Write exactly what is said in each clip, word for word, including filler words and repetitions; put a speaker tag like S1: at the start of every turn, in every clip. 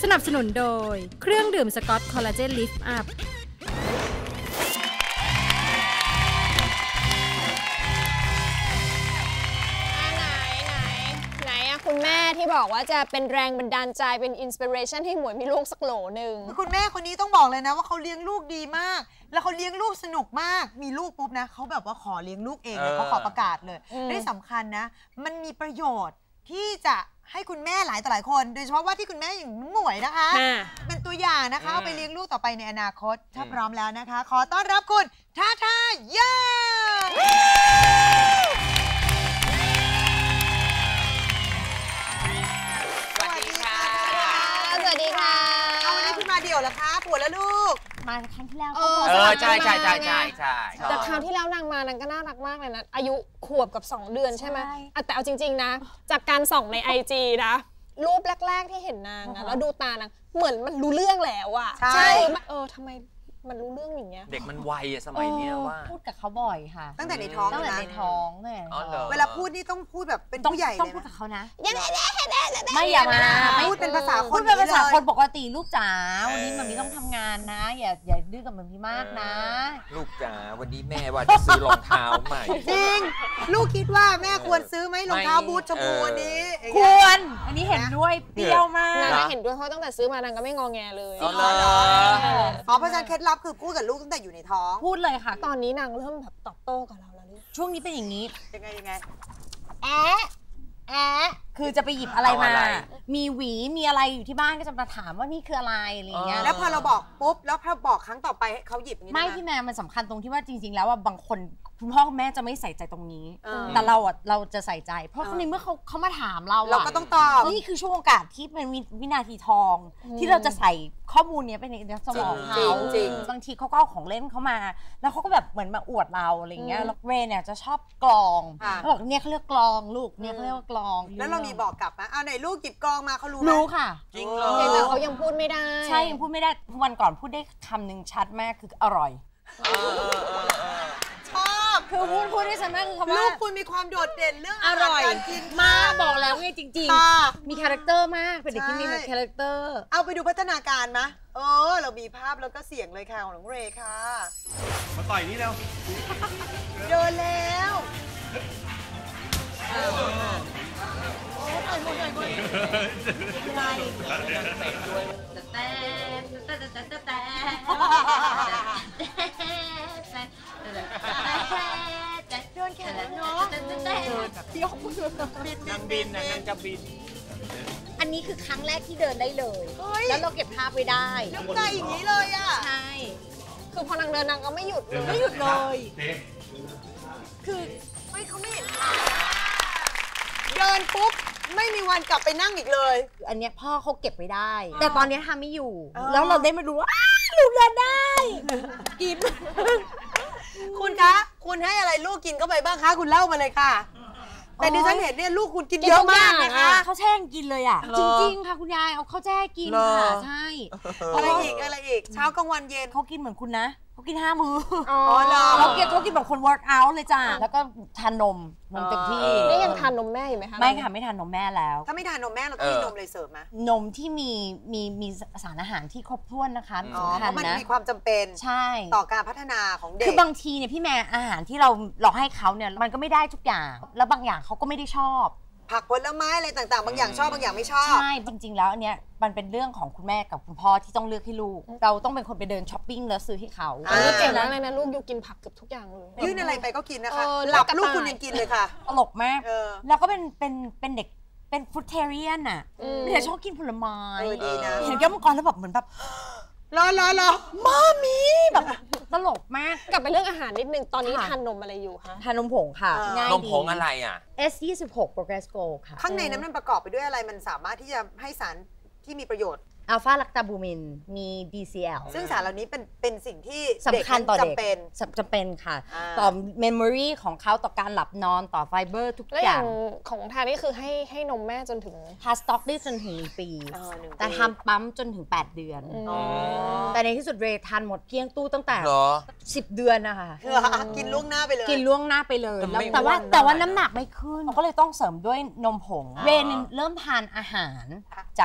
S1: สนับสนุนโดยเครื่องดื่มสกอตคอลลาเจนลิฟต์อัพ
S2: คุณแม่ที่บอกว่าจะเป็นแรงบันดาลใจเป็นอินสปิเรชันให้หมวยมีลูกสักโหลหนึ่ง
S3: คุณแม่คนนี้ต้องบอกเลยนะว่าเขาเลี้ยงลูกดีมากแล้วเขาเลี้ยงลูกสนุกมากมีลูกปุ๊บนะเขาแบบว่าขอเลี้ยงลูกเองเขาขอประกาศเลยได้สำคัญนะมันมีประโยชน์ที่จะให้คุณแม่หลายต่อหลายคนโดยเฉพาะว่าที่คุณแม่อย่างหมวยนะคะเป็นตัวอย่างนะคะเอาไปเลี้ยงลูกต่อไปในอนาคตถ้าพร้อมแล้วนะคะขอต้อนรับคุณท่าท่าย่าเดี่ยวเหรอคะปวดแล้วลูก
S4: มาครั้งที่แล้ว
S2: เอ
S4: อ
S2: ใช่
S5: ใช่ใช่ใช่ใช่ใช่
S2: แต่คราวที่แล้วนางมานางก็น่ารักมากเลยนะอายุขวบกับสองเดือนใช่ไหมแต่เอาจริงๆนะจากการส่องในไอจีนะรูปแรกๆที่เห็นนางนะแล้วดูตานางเหมือนมันรู้เรื่องแล้วอะใช่เออทำไมมันรู้เรื่องอย่างเงี้ย
S5: เด็กมันไวอะสมัยนี้ว่า
S4: พูดกับเขาบ่อยค่ะ
S3: ตั้งแต่ในท้อง
S4: ตั้งแต่ในท้องเนี่ย
S3: เวลาพูดนี่ต้องพูดแบบเป็นผู้ใหญ่เลย
S4: ต้องพูดกับเขานะ
S3: ไม่อย่ามาพูดเป็นภาษาคน
S4: พูดเป็นภาษาคนปกติลูกจ๋าวันนี้มันมีต้องทำงานนะอย่าอย่าดื้อกับมันพี่มากนะ
S5: ลูกจ๋าวันนี้แม่ว่าจะซื้อรองเท้าใหม่
S3: จริงลูกคิดว่าแม่ควรซื้อไหมรองเท้าบูทชมพูวันนี้
S4: ควรอันนี้เห็นด้วยเปรี้ยวมาก
S2: นางเห็นด้วยเพราะตั้งแต่ซื้อมานางก็ไม่งอแงเลย
S3: อ๋อเพราะฉะนั้นเคล็ดลับคือพูดกับลูกตั้งแต่อยู่ในท้อง
S4: พูดเลยค่ะ
S2: ตอนนี้นางเริ่มแบบตอบโต้กับเราแล้ว
S4: ช่วงนี้เป็นอย่างนี้
S3: ยังไงยังไง
S4: แอะแอะคือจะไปหยิบอะไรมามีหวีมีอะไรอยู่ที่บ้านก็จะมาถามว่านี่คืออะไรอะไรเงี้ย
S3: แล้วพอเราบอกปุ๊บแล้วพอบอกครั้งต่อไปเขาหยิบอย่างนี้
S4: ไม่พี่แม่มันสำคัญตรงที่ว่าจริงๆแล้วว่าบางคนคุณพ่อคุณแม่จะไม่ใส่ใจตรงนี้แต่เราอ่ะเราจะใส่ใจเพราะในเมื่อเขาเขามาถามเรา
S3: เราก็ต้องตอบ
S4: นี่คือช่วงโอกาสที่เป็นวินาทีทองที่เราจะใส่ข้อมูลนี้ไปในสมองเขาบางทีเขาก็เอาของเล่นเขามาแล้วเขาก็แบบเหมือนมาอวดเราอะไรเงี้ยแล้วเรนเนี่ยจะชอบกลองเขาบอกเนี่ยเขาเรียกกลองลูกเนี่ยเขาเรียกว่ากลอง
S3: แล้วเรามีบอกกลับไหมเอาไหนลูกหยิบกลองมาเขารู้
S4: รู้ค่ะ
S5: จริงเลย
S2: แต่เขายังพูดไม่ได้
S4: ใช่ยังพูดไม่ได้วันก่อนพูดได้คำหนึ่งชัดมากคืออร่อย
S3: ชอบ
S4: คือพูดพูดได้ชัดมากคือคำว่า
S3: ลูกคุณมีความโดดเด่นเรื่อง
S4: อร่อยการกินมาบอกแล้วไงจริงๆมีคาแรคเตอร์มากเป็นเด็กที่มีคาแรคเตอร์
S3: เอาไปดูพัฒนาการมะเออเรามีภาพแล้วก็เสียงเลยค่ะของน้องเรค่ะ
S6: มาต่อยนี่แล้ว
S3: เดินแล้วต่อยหมดต่อยหมดอะไรแต่แต่แต่แต่แต่แต่เดินแค่นั้นเนาะเดี๋ยวคุณบิน
S5: นางบินนะนางจะบิน
S4: อันนี้คือครั้งแรกที่เดินได้เลยแล้วเราเก็บภาพไว้ได้
S3: น้ำใจอย่างนี้เลยอ่ะ
S4: ใช่
S2: คือพอนางเดินนางก็ไม่หยุดเลย
S4: ไม่หยุดเลย
S3: คือไม่เขาไม่เห็นเดินปุ๊บไม่มีวันกลับไปนั่งอีกเลย
S4: อันนี้พ่อเขาเก็บไว้ได้แต่ตอนนี้ทำไม่อยู่แล้วเราได้มาดูว่าลูกเดินได้กิน
S3: คุณคะคุณให้อะไรลูกกินเข้าไปบ้างคะคุณเล่ามาเลยค่ะแต่ดิฉันเห็นเนี่ยลูกคุณกินเยอะมากนะคะ
S4: เขาแช่กินเลยอ่ะจริงๆค่ะคุณยายเอาข้าวแช่กินค่ะใช่
S3: อะไรอีกอะไรอีกเช้ากลางวันเย็น
S4: เขากินเหมือนคุณนะเขากินห้ามื้ออ๋อเขากินเขากินแบบคน work out เลยจ้าแล้วก็ทานนมนมเต็มที่
S2: นี่ยังทานนมแม่อยู่ไหมคะ
S4: ไม่ค่ะไม่ทานนมแม่แล้ว
S3: ถ้าไม่ทานนมแม่เราต้องมีนมเลยเสริมไหม
S4: นมที่มีมีมีสารอาหารที่ครบถ้วนนะคะ
S3: สำคัญนะมันมีความจำเป็น
S4: ใช่
S3: ต่อการพัฒนาของเด็ก
S4: คือบางทีเนี่ยพี่แม่อาหารที่เราเราให้เขาเนี่ยมันก็ไม่ได้ทุกอย่างแล้วบางอย่างเขาก็ไม่ได้ชอบ
S3: ผักผลไม้อะไรต่างๆบางอย่างชอบบางอย่างไม่ชอบ
S4: ใช่จริงๆแล้วอันเนี้ยมันเป็นเรื่องของคุณแม่กับคุณพ่อที่ต้องเลือกให้ลูกเราต้องเป็นคนไปเดินช้อปปิ้งแล้วซื้อให้เขา
S2: เก่งมากเลยนะลูกยูกินผักเกือบทุกอย่างเลย
S3: ยื่นอะไรไปก็กินนะคะหลับลูกคุณยังกินเลยค่ะ
S4: ตลกมากแล้วก็เป็นเป็นเป็นเด็กเป็นฟรุตเทเรียนอ่ะเด็กชอบกินผลไม้เห็นแก้วมังกรแล้วแบบเหมือนแบบ
S3: รอรอรอ
S4: มามีแบบตลกมาก
S2: กลับไปเรื่องอาหารนิดนึงตอนนี้ทานนมอะไรอยู่คะ
S4: ทานนมผงค่ะ
S5: นมผงอะไรอ่ะ
S4: เอส ยี่สิบหก Progress Go ค่ะ
S3: ข้างในนั้นมันประกอบไปด้วยอะไรมันสามารถที่จะให้สารที่มีประโยชน์
S4: อัลฟาลักตาบูมินมี ดี ซี แอล
S3: ซึ่งสารเหล่านี้เป็นเป็นสิ่งที่
S4: สำคัญต่อเด็กจำเป็นค่ะต่อเมมโมรีของเขาต่อการหลับนอนต่อไฟเบอร์ทุกอย่าง
S2: ของทานนี่คือให้ให้นมแม่จนถึง
S4: พาสต็อกได้จนถึงหนึ่งปีแต่ทำปั๊มจนถึงแปดเดือนแต่ในที่สุดเรทานหมดเกลี้ยงตู้ตั้งแต่สิบเดือนนะคะ
S3: กินล่วงหน้าไปเลย
S4: กินล่วงหน้าไปเลยแต่ว่าแต่ว่าน้ำหนักไม่ขึ้นก็เลยต้องเสริมด้วยนมผงเรนเริ่มทานอาหารจาก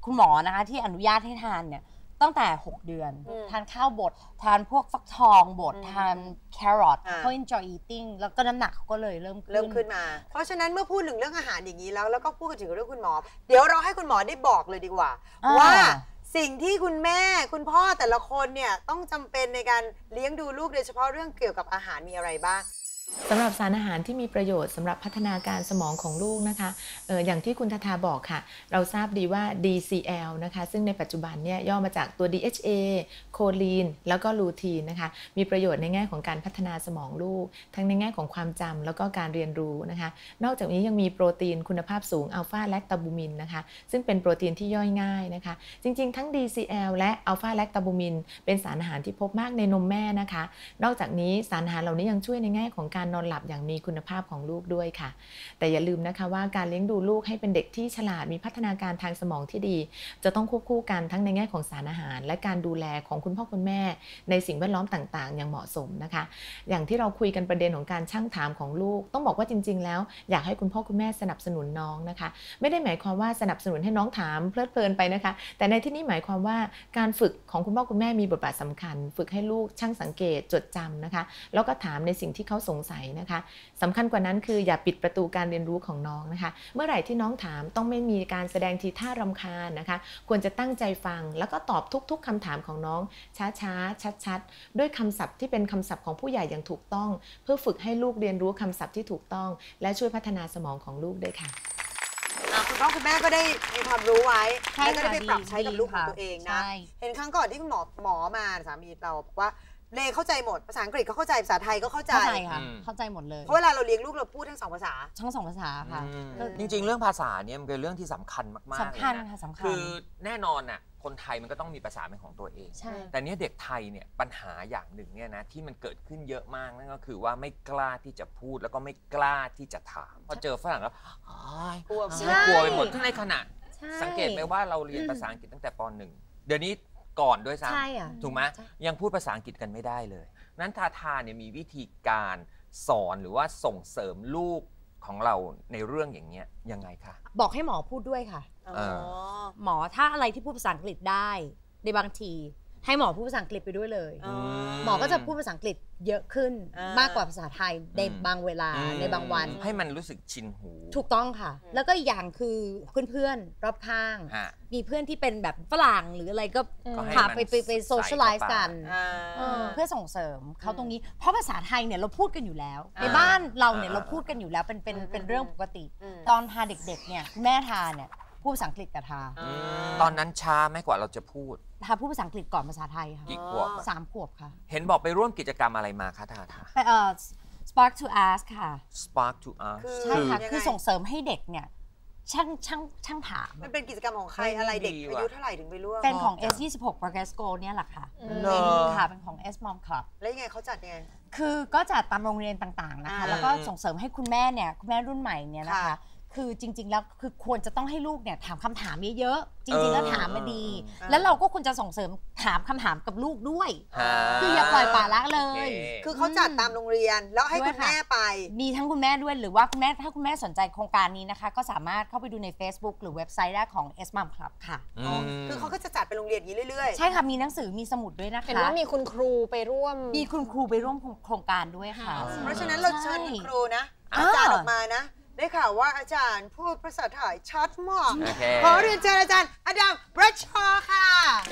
S4: คุณหมอนะคะที่อนุญาตให้ทานเนี่ยตั้งแต่หกเดือนทานข้าวบดทานพวกฟักทองบดทานแครอทเขา enjoy eating แล้วก็น้ำหนักเขาก็เลยเริ่ม
S3: เริ่มขึ้นมาเพราะฉะนั้นเมื่อพูดถึงเรื่องอาหารอย่างนี้แล้วแล้วก็พูดถึงเรื่องคุณหมอเดี๋ยวเราให้คุณหมอได้บอกเลยดีกว่าว่าสิ่งที่คุณแม่คุณพ่อแต่ละคนเนี่ยต้องจำเป็นในการเลี้ยงดูลูกโดยเฉพาะเรื่องเกี่ยวกับอาหารมีอะไรบ้าง
S7: สำหรับสารอาหารที่มีประโยชน์สำหรับพัฒนาการสมองของลูกนะคะเอออย่างที่คุณทาทาบอกค่ะเราทราบดีว่า ดี ซี แอล นะคะซึ่งในปัจจุบันเนี่ยย่อมาจากตัว ดี เอช เอ โคลีนแล้วก็ลูทีนนะคะมีประโยชน์ในแง่ของการพัฒนาสมองลูกทั้งในแง่ของความจำแล้วก็การเรียนรู้นะคะนอกจากนี้ยังมีโปรตีนคุณภาพสูงอัลฟาแลคตาบูมินนะคะซึ่งเป็นโปรตีนที่ย่อยง่ายนะคะจริงๆทั้ง ดี ซี แอล และอัลฟาแลคตาบูมินเป็นสารอาหารที่พบมากในนมแม่นะคะนอกจากนี้สารอาหารเหล่านี้ยังช่วยในแง่ของการนอนหลับอย่างมีคุณภาพของลูกด้วยค่ะแต่อย่าลืมนะคะว่าการเลี้ยงดูลูกให้เป็นเด็กที่ฉลาดมีพัฒนาการทางสมองที่ดีจะต้องควบคู่กันทั้งในแง่ของสารอาหารและการดูแลของคุณพ่อคุณแม่ในสิ่งแวดล้อมต่างๆอย่างเหมาะสมนะคะอย่างที่เราคุยกันประเด็นของการชั่งถามของลูกต้องบอกว่าจริงๆแล้วอยากให้คุณพ่อคุณแม่สนับสนุนน้องนะคะไม่ได้หมายความว่าสนับสนุนให้น้องถามเพลิดเพลินไปนะคะแต่ในที่นี้หมายความว่าการฝึกของคุณพ่อคุณแม่มีบทบาทสำคัญฝึกให้ลูกช่างสังเกตจดจำนะคะแล้วก็ถามในสิ่งที่เขาสงสัยนะคะสำคัญกว่านั้นคืออย่าปิดประตูการเรียนรู้ของน้องนะคะเมื่อไหร่ที่น้องถามต้องไม่มีการแสดงทีท่ารำคาญนะคะควรจะตั้งใจฟังแล้วก็ตอบทุกๆคำถามของน้องช้าๆชัดๆด้วยคำศัพท์ที่เป็นคำศัพท์ของผู้ใหญ่อย่างถูกต้องเพื่อฝึกให้ลูกเรียนรู้คำศัพท์ที่ถูกต้องและช่วยพัฒนาสมองของลูกด้วยค่ะ
S3: คุณพ่อคุณแม่ก็ได้มีความรู้ไว้แล้วก็ได้ไปปรับใช้กับลูกของตัวเองนะเห็นครั้งก่อนที่คุณหมอหมอมาสามีเราบอกว่าเลเข้าใจหมดภาษาอังกฤษก็เข้าใจภาษาไทยก็เข้าใจ
S4: เข้าใจค่ะเข้าใจหมดเลย
S3: เพราะเวลาเราเลี้ยงลูกเราพูดทั้งสองภาษา
S4: ทั้งสองภาษาค่ะ
S5: จริงๆเรื่องภาษาเนี่ยมันเป็นเรื่องที่สำคัญมากๆ
S4: สำคัญค่ะสำคัญ
S5: คือแน่นอนน่ะคนไทยมันก็ต้องมีภาษาเป็นของตัวเองแต่เนี้ยเด็กไทยเนี่ยปัญหาอย่างหนึ่งเนี่ยนะที่มันเกิดขึ้นเยอะมากนั่นก็คือว่าไม่กล้าที่จะพูดแล้วก็ไม่กล้าที่จะถามพอเจอฝรั่งแล้วกลัวกลัวไปหมดทั้งในขณะสังเกตไหมว่าเราเรียนภาษาอังกฤษตั้งแต่ป หนึ่งเดี๋ยวนี้ก่อนด้วยซ้ำถูกไหมยังพูดภาษาอังกฤษกันไม่ได้เลยนั้นทาทาเนี่ยมีวิธีการสอนหรือว่าส่งเสริมลูกของเราในเรื่องอย่างเงี้ยยังไงคะ
S4: บอกให้หมอพูดด้วยค่ะหมอถ้าอะไรที่พูดภาษาอังกฤษได้ในบางทีให้หมอพูดภาษาอังกฤษไปด้วยเลยหมอก็จะพูดภาษาอังกฤษเยอะขึ้นมากกว่าภาษาไทยในบางเวลาในบางวัน
S5: ให้มันรู้สึกชินหู
S4: ถูกต้องค่ะแล้วก็อย่างคือเพื่อนๆรอบข้างมีเพื่อนที่เป็นแบบฝรั่งหรืออะไรก็พาไปไปไปโซเชียลไลซ์กันเพื่อส่งเสริมเขาตรงนี้เพราะภาษาไทยเนี่ยเราพูดกันอยู่แล้วในบ้านเราเนี่ยเราพูดกันอยู่แล้วเป็นเป็นเป็นเรื่องปกติตอนทาเด็กๆเนี่ยแม่ทาเนี่ยพูดภาษาอังกฤษกับทา
S5: ตอนนั้นช้าไหมกว่าเราจะพูด
S4: ทาพูดภาษาอังกฤษก่อนภาษาไทยค่ะ
S5: กี่ขวบ
S4: สามขวบค่ะ
S5: เห็นบอกไปร่วมกิจกรรมอะไรมาคะทาทา
S4: ไปเอ่อ Spark to Ask ค่ะ
S5: Spark to Ask
S4: ใช่ค่ะคือส่งเสริมให้เด็กเนี่ยช่างช่างช่างถาม
S3: มันเป็นกิจกรรมของใครอะไรเด็กอายุเท่าไหร่ถึงไปร่วม
S4: เป็นของ เอส ยี่สิบหก Progress Go เนี่ยแหละค่ะค่ะเป็นของ S Mom Club
S3: แล้วยังไงเขาจัดยังไง
S4: คือก็จัดตามโรงเรียนต่างๆนะคะแล้วก็ส่งเสริมให้คุณแม่เนี่ยคุณแม่รุ่นใหม่เนี่ยนะคะคือจริงๆแล้วคือควรจะต้องให้ลูกเนี่ยถามคำถามเยอะๆจริงๆแล้วถามมาดีแล้วเราก็ควรจะส่งเสริมถามคำถามกับลูกด้วยคืออย่าปล่อยปละละเลย
S3: คือเขาจัดตามโรงเรียนแล้วให้คุณแม่ไป
S4: มีทั้งคุณแม่ด้วยหรือว่าคุณแม่ถ้าคุณแม่สนใจโครงการนี้นะคะก็สามารถเข้าไปดูใน Facebook หรือเว็บไซต์ได้ของ S Mom Club ค่ะ
S3: คือเขาก็จะจัดเป็นโรงเรียนอย่างนี้เรื่อย
S4: ๆใช่ค่ะมีหนังสือมีสมุดด้วยนะคะ
S2: เห็นว่ามีคุณครูไปร่วม
S4: มีคุณครูไปร่วมโครงการด้วยค่ะ
S3: เพราะฉะนั้นเราเชิญคุณครูนะอาจารย์ออกมานะได้ข่าวว่าอาจารย์พูดภาษาไทยชัดมากขอเรียนเชิญอาจารย์อดัม บรัชชอว์ค่ะ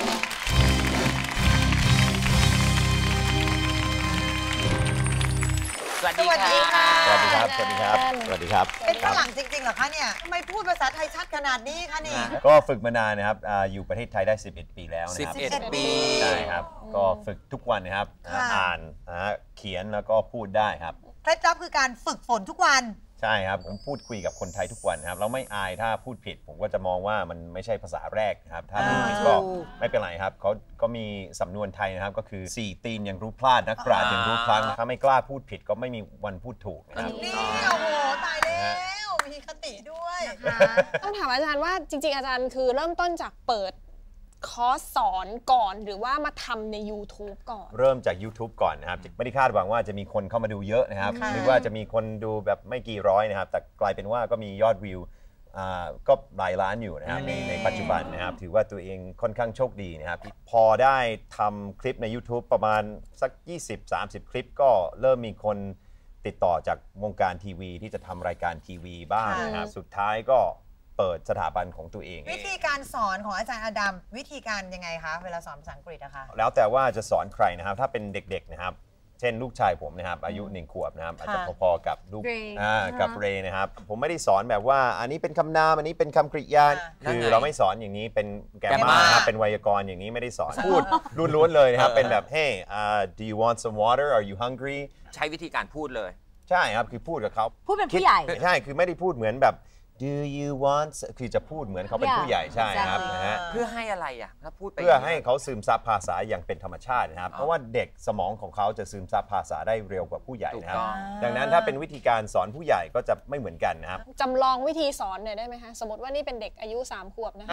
S5: สวัสดีค่ะ
S8: สวัสดีครับสวัสดีครับสวัสดีครับ
S3: เป็นฝรั่งจริงๆเหรอคะเนี่ยทำไมพูดภาษาไทยชัดขนาดนี้คะนี่
S8: ก็ฝึกมานานนะครับอยู่ประเทศไทยได้สิบเอ็ดปีแล้วนะครับ
S5: สิบเอ็ดปี
S8: ใช่ครับก็ฝึกทุกวันนะครับอ่านเขียนแล้วก็พูดได้ครับ
S3: เคล็ดลับคือการฝึกฝนทุกวัน
S8: ใช่ครับผมพูดคุยกับคนไทยทุกวันครับเราไม่อายถ้าพูดผิดผมก็จะมองว่ามันไม่ใช่ภาษาแรกนะครับถ้าพูดผิดก็ไม่เป็นไรครับเขาก็มีสำนวนไทยนะครับก็คือสี่ตีนยังรู้พลาดนักปราชญ์ยังรู้พลั้งถ้าไม่กล้าพูดผิดก็ไม่มีวันพูดถูกนะครับ
S3: นี่โอ้โหตายแล้วมีคติด้วย
S2: ต้องถามอาจารย์ว่าจริงๆอาจารย์คือเริ่มต้นจากเปิดคอร์สสอนก่อนหรือว่ามาทำใน YouTube ก่อน
S8: เริ่มจาก YouTube ก่อนนะครับไม่ได้คาดหวังว่าจะมีคนเข้ามาดูเยอะนะครับนึกว่าจะมีคนดูแบบไม่กี่ร้อยนะครับแต่กลายเป็นว่าก็มียอดวิวอ่าก็หลายล้านอยู่นะครับในในปัจจุบันนะครับถือว่าตัวเองค่อนข้างโชคดีนะครับพอได้ทำคลิปใน YouTube ประมาณสัก ยี่สิบถึงสามสิบ คลิปก็เริ่มมีคนติดต่อจากวงการทีวีที่จะทำรายการทีวีบ้างนะครับสุดท้ายก็เปิดสถาบันของตัวเอง
S3: วิธีการสอนของอาจารย์อดัมวิธีการยังไงคะเวลาสอนภาษาอังกฤษนะคะ
S8: แล้วแต่ว่าจะสอนใครนะครับถ้าเป็นเด็กๆนะครับเช่นลูกชายผมนะครับอายุหนึ่งขวบนะครับอาจจะพอๆกับลูกกับเรย์นะครับผมไม่ได้สอนแบบว่าอันนี้เป็นคำนามอันนี้เป็นคำกริยาคือเราไม่สอนอย่างนี้เป็นแกมมาครับเป็นไวยากรณ์อย่างนี้ไม่ได้สอนพูดล้วนๆเลยนะครับเป็นแบบ hey uh, do you want some water are you hungry
S5: ใช้วิธีการพูดเลย
S8: ใช่ครับคือพูดกับเขา
S4: พูดเป็นผู้ใหญ่
S8: ใช่คือไม่ได้พูดเหมือนแบบ do you want คือจะพูดเหมือนเขาเป็นผู้ใหญ่ใช่ครับนะฮะ
S5: เพื่อให้อะไรอ่ะถ้าพูดไป
S8: เพื่อให้เขาซึมซับภาษาอย่างเป็นธรรมชาตินะครับเพราะว่าเด็กสมองของเขาจะซึมซับภาษาได้เร็วกว่าผู้ใหญ่นะครับดังนั้นถ้าเป็นวิธีการสอนผู้ใหญ่ก็จะไม่เหมือนกันนะครับ
S2: จำลองวิธีสอนหน่อยได้ไหมคะสมมติว่านี่เป็นเด็กอายุสามขวบนะคะ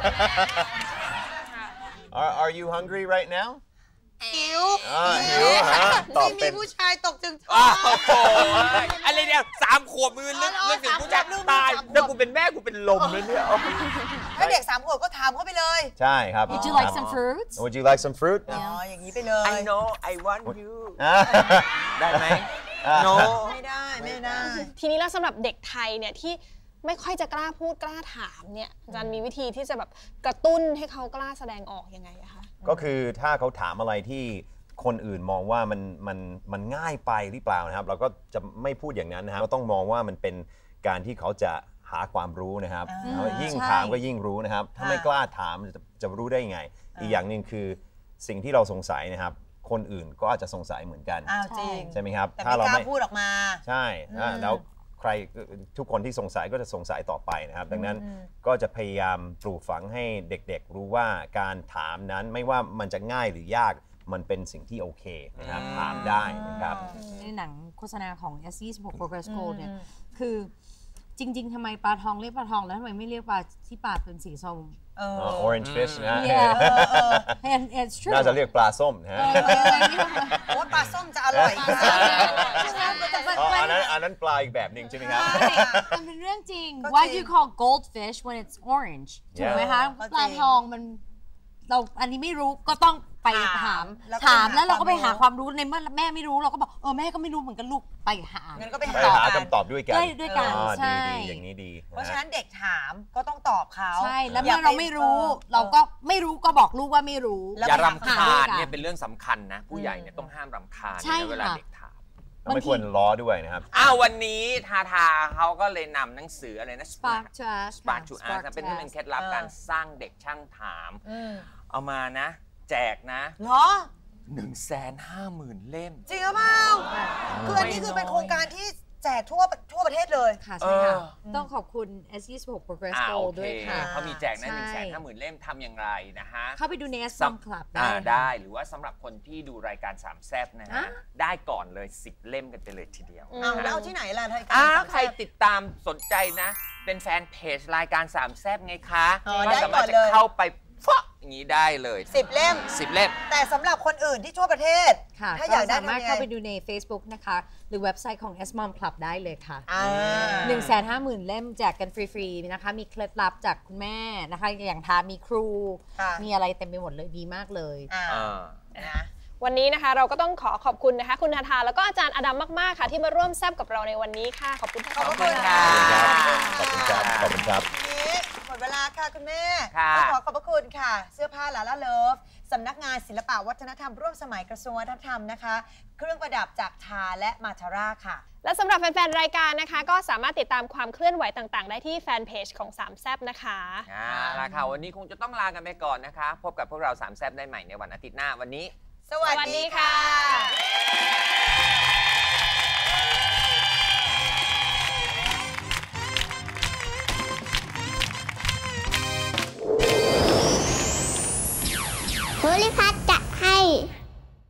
S8: Are Are you hungry right now
S3: หิว
S8: หิวฮะตอบเป็น
S3: มีผู้ชายตกจึงท้
S5: องโอ้โหอะไรเนี่ยสามขวบมือนึกนึกถึงผู้ชายตายถ้ากูเป็นแม่กูเป็นลมเลยเนี่ย
S3: ถ้าเด็กสามขวบก็ถามเขาไปเลย
S8: ใช่ครับ
S4: Would you like some fruit
S8: Would you like some fruit
S3: อ๋ออย่างนี้ไปเลย
S5: I know I want you ได้ไหม No
S3: ไม่ได้ไม่ได้
S2: ทีนี้แล้วสำหรับเด็กไทยเนี่ยที่ไม่ค่อยจะกล้าพูดกล้าถามเนี่ยอาจารย์มีวิธีที่จะแบบกระตุ้นให้เขากล้าแสดงออกยังไงอะคะ
S8: ก็คือถ้าเขาถามอะไรที่คนอื่นมองว่ามันมันมันง่ายไปหรือเปล่านะครับเราก็จะไม่พูดอย่างนั้นนะครับเราต้องมองว่ามันเป็นการที่เขาจะหาความรู้นะครับยิ่งถามก็ยิ่งรู้นะครับถ้าไม่กล้าถามจะจะรู้ได้ไงอีกอย่างหนึ่งคือสิ่งที่เราสงสัยนะครับคนอื่นก็อาจจะสงสัยเหมือนกันใช่ไหมครับ
S3: ถ้าเราไม่พูดออกมา
S8: ใช่แล้วใครทุกคนที่สงสัยก็จะสงสัยต่อไปนะครับดังนั้นก็จะพยายามปลูกฝังให้เด็กๆรู้ว่าการถามนั้นไม่ว่ามันจะง่ายหรือยากมันเป็นสิ่งที่โอเคนะครับถามได้นะครับ
S4: ในหนังโฆษณาของ เอส ยี่สิบหก Progress Gold เนี่ยคือจริงๆทำไมปลาทองเรียกปลาทองแล้วทำไมไม่เรียกปลาที่ปากเป็นสีส้ม
S8: orange fish นะ
S4: it's true
S8: น่าจะเรียกปลาส้มนะฮะ
S3: โอ้ปลาส้มจะอร่อย
S8: อันนั้นอันนั้นปลาอีกแบบหนึ่งใช่ไหมครับ
S4: มันเป็นเรื่องจริง Why do you call goldfish when it's orange ถูกไหมคะปลาทองมันเราอันนี้ไม่รู้ก็ต้องไปถามถามแล้วเราก็ไปหาความรู้ในเมื่อแม่ไม่รู้เราก็บอกเออแม่ก็ไม่รู้เหมือนกันลูกไปหา
S3: งั้นก็ไป
S8: หาคำตอบด้วยกัน
S4: ด้วยกันใช่
S8: อย่างนี้ดี
S3: เพราะฉะนั้นเด็กถามก็ต้องตอบเขา
S4: ใช่แล้วเมื่อเราไม่รู้เราก็ไม่รู้ก็บอกลูกว่าไม่รู้
S5: อย่ารำคาญเนี่ยเป็นเรื่องสำคัญนะผู้ใหญ่เนี่ยต้องห้ามรำคาญเวลาเด็กถาม
S8: ไม่ควรล้อด้วยนะครับ
S5: อ้าววันนี้ทาทาเขาก็เลยนำหนังสืออะไรนะ
S4: Spark to Us
S5: Spark to Us เป็นที่เป็นเคล็ดลับการสร้างเด็กช่างถามเอามานะแจกนะ
S3: เหรอ
S5: หนึ่งแสนห้าหมื่นเล่ม
S3: จริงหรือเปล่าคืออันนี้คือเป็นโครงการที่แจกทั่วทั่วประเทศเลย
S4: ค่ะใช่ค่ะต้องขอบคุณ เอส ยี่สิบหก Progress Gold ด้วยค่ะ
S5: เขามีแจกนะหนึ่งแสนห้าหมื่นเล่มทำอย่างไรนะฮะ
S4: เข้าไปดูใน เอส มอม Club ได้
S5: ได้หรือว่าสำหรับคนที่ดูรายการสามแซ่บนะฮะได้ก่อนเลยสิบเล่มกันไปเลยทีเดียว
S3: เอาแล้วเอาที่ไหนล่ะราย
S5: การใครติดตามสนใจนะเป็นแฟนเพจรายการสามแซ่บไงคะก็สามารถจะเข้าไปฟะอย่างนี้ได้เลย
S3: สิบเล่ม
S5: สิบเล่ม
S3: แต่สำหรับคนอื่นที่ทั่วประเทศ
S4: ถ้าอยากได้สามารถเข้าไปดูใน Facebook นะคะหรือเว็บไซต์ของ เอส มอม Club ได้เลยค่ะ หนึ่งแสนห้าหมื่น เล่มแจกกันฟรีๆนะคะมีเคล็ดลับจากคุณแม่นะคะอย่างทามีครูมีอะไรเต็มไปหมดเลยดีมากเลย
S2: นะวันนี้นะคะเราก็ต้องขอขอบคุณนะคะคุณทาทาแล้วก็อาจารย์อดัมมากๆค่ะที่มาร่วมแซบกับเราในวันนี้ค่ะขอบคุณ
S3: ขอบคุณค่ะ
S8: ขอบคุณครับขอบคุณครับ
S3: หมดเวลาค่ะคุณแม่ก็ขอขอบพระคุณค่ะเสื้อผ้าลาล่าเลิฟสำนักงานศิลปวัฒนธรรมร่วมสมัยกระทรวงวัฒนธรรมนะคะเครื่องประดับจากทาและมาทาร่าค่ะ
S2: และสำหรับแฟนๆรายการนะคะก็สามารถติดตามความเคลื่อนไหวต่างๆได้ที่แฟนเพจของสามแซ่บนะคะ
S5: อ่าล่ะค่ะวันนี้คงจะต้องลากันไปก่อนนะคะพบกับพวกเราสามแซ่บได้ใหม่ในวันอาทิตย์หน้าวันนี้
S3: สวัสดีค่ะ